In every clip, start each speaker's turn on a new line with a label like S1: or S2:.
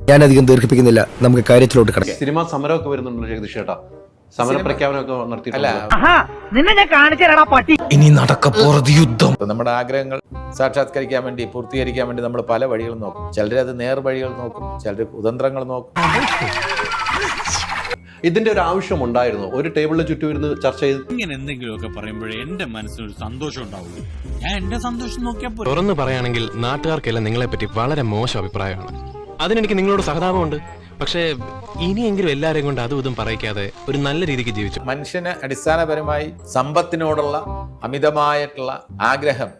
S1: ഞാൻ അധികം ദീർഘിപ്പിക്കുന്നില്ല, നമുക്ക് കാര്യത്തിലോട്ട് കിടക്കാം.
S2: സിനിമ സമരമൊക്കെ വരുന്നുണ്ടല്ലോ ജഗദീഷ് ചേട്ടാ, സമര പ്രഖ്യാപനമൊക്കെ നടത്തിയിട്ടില്ല.
S1: ഇനി നടക്കപ്പോറത് യുദ്ധം.
S3: നമ്മുടെ ആഗ്രഹങ്ങൾ സാക്ഷാത്കരിക്കാൻ വേണ്ടി, പൂർത്തീകരിക്കാൻ വേണ്ടി നമ്മൾ പല വഴികളും നോക്കും. ചിലരത് നേർവഴികൾ നോക്കും, ചിലർ കുതന്ത്രങ്ങൾ നോക്കും.
S2: ഇതിന്റെ ഒരു ആവശ്യം ഉണ്ടായിരുന്നു? ഒരു ടേബിളിന് ചുറ്റും ഇരുന്ന് ചർച്ച ചെയ്ത്
S4: ഇങ്ങനെ എന്തെങ്കിലുമൊക്കെ പറയുമ്പോഴേ എന്റെ മനസ്സിനൊരു സന്തോഷം ഉണ്ടാവുള്ളൂ. ഞാൻ എന്റെ സന്തോഷം നോക്കിയാൽ
S5: തുറന്നു പറയുകയാണെങ്കിൽ നാട്ടുകാർക്കെല്ലാം നിങ്ങളെപ്പറ്റി വളരെ മോശം അഭിപ്രായമാണ്. അതിനെനിക്ക് നിങ്ങളോട് സഹതാപമുണ്ട്. പക്ഷേ ഇനിയെങ്കിലും എല്ലാവരെയും കൊണ്ട് അതും ഇതും പറയിക്കാതെ ഒരു നല്ല രീതിക്ക് ജീവിച്ചു.
S3: മനുഷ്യന് അടിസ്ഥാനപരമായി സമ്പത്തിനോടുള്ള അമിതമായിട്ടുള്ള ആഗ്രഹം,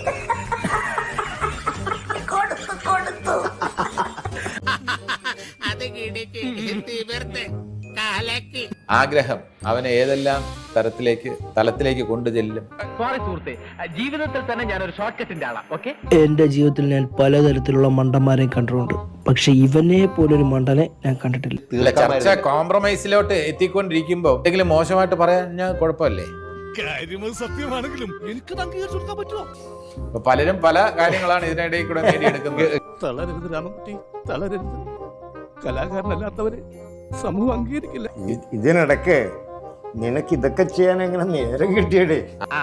S3: ആഗ്രഹം അവനെ ഏതെല്ലാം തലത്തിലേക്ക് കൊണ്ടുചെല്ലും.
S6: ജീവിതത്തിൽ തന്നെ ഞാനൊരു ഷോർട്ട് കട്ടിന്റെ ആളാ. ഓക്കെ,
S7: എന്റെ ജീവിതത്തിൽ ഞാൻ പലതരത്തിലുള്ള മണ്ടന്മാരെ കണ്ടിട്ടുണ്ട്, പക്ഷെ ഇവനെ പോലൊരു മണ്ടനെ ഞാൻ കണ്ടിട്ടില്ല.
S3: ചർച്ച കോംപ്രമൈസിലോട്ട് എത്തിക്കൊണ്ടിരിക്കുമ്പോ എന്തെങ്കിലും മോശമായിട്ട് പറയാൻ ഞാൻ കുഴപ്പമില്ലേ?
S4: സത്യമാണെങ്കിലും എനിക്ക് അംഗീകരിച്ചു കൊടുക്കാൻ പറ്റുമോ?
S3: പലരും പല കാര്യങ്ങളാണ് ഇതിനിടയിൽ കൂടെ നേടിയെടുക്കുന്നത്.
S4: തളരരുത് രാമൻകുട്ടി, തളരരുത്. കലാകാരനല്ലാത്തവരെ സമൂഹം അംഗീകരിക്കില്ല.
S8: ഇതിനിടയ്ക്ക് നിനക്ക് ഇതൊക്കെ ചെയ്യാൻ എങ്ങനെ നേരം കിട്ടിയടേ?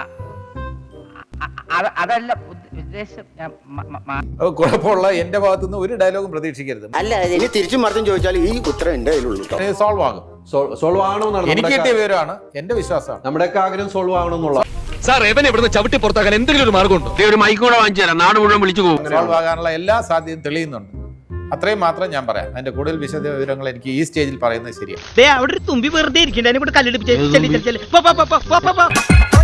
S6: അതല്ല ഉദ്ദേശം.
S3: കുഴപ്പമുള്ള എന്റെ ഭാഗത്തുനിന്ന് ഒരു ഡയലോഗും പ്രതീക്ഷിക്കരുത്.
S8: അല്ല, ഇനി തിരിച്ചും മറിച്ചും ചോദിച്ചാൽ ഈ ഉത്തരം എന്റെ കയ്യിലുള്ളൂ.
S3: സോൾവ് ആകും.
S2: സോൾവ് ആകണമെന്നാണ്
S3: എനിക്ക് കിട്ടിയ വിവരമാണ്, എന്റെ വിശ്വാസമാണ്.
S2: നമ്മുടെയൊക്കെ ആഗ്രഹം സോൾവ് ആകണമെന്നുള്ള.
S5: സാർ എവനെ ഇവിടുന്ന് ചവിട്ടി പുറത്താക്കാൻ എന്തെങ്കിലും ഒരു മാർഗമുണ്ടോ? ഒരു മൈക്കൂടെ വാങ്ങിച്ചു തരാം, നാട് മുഴുവൻ വിളിച്ചു പോകും.
S3: സോൾവ് ആകാനുള്ള എല്ലാ സാധ്യതയും തെളിയുന്നുണ്ട്. അത്രയും മാത്രം ഞാൻ പറയാം. അതിന്റെ കൂടുതൽ വിശദ വിവരങ്ങൾ എനിക്ക് ഈ സ്റ്റേജിൽ പറയുന്നത് ശരിയാണ്.
S6: അവിടെ ഒരു തുമ്പി വെറുതെ ഇരിക്കണ്ടേ, കല്ലെടുപ്പിച്ച്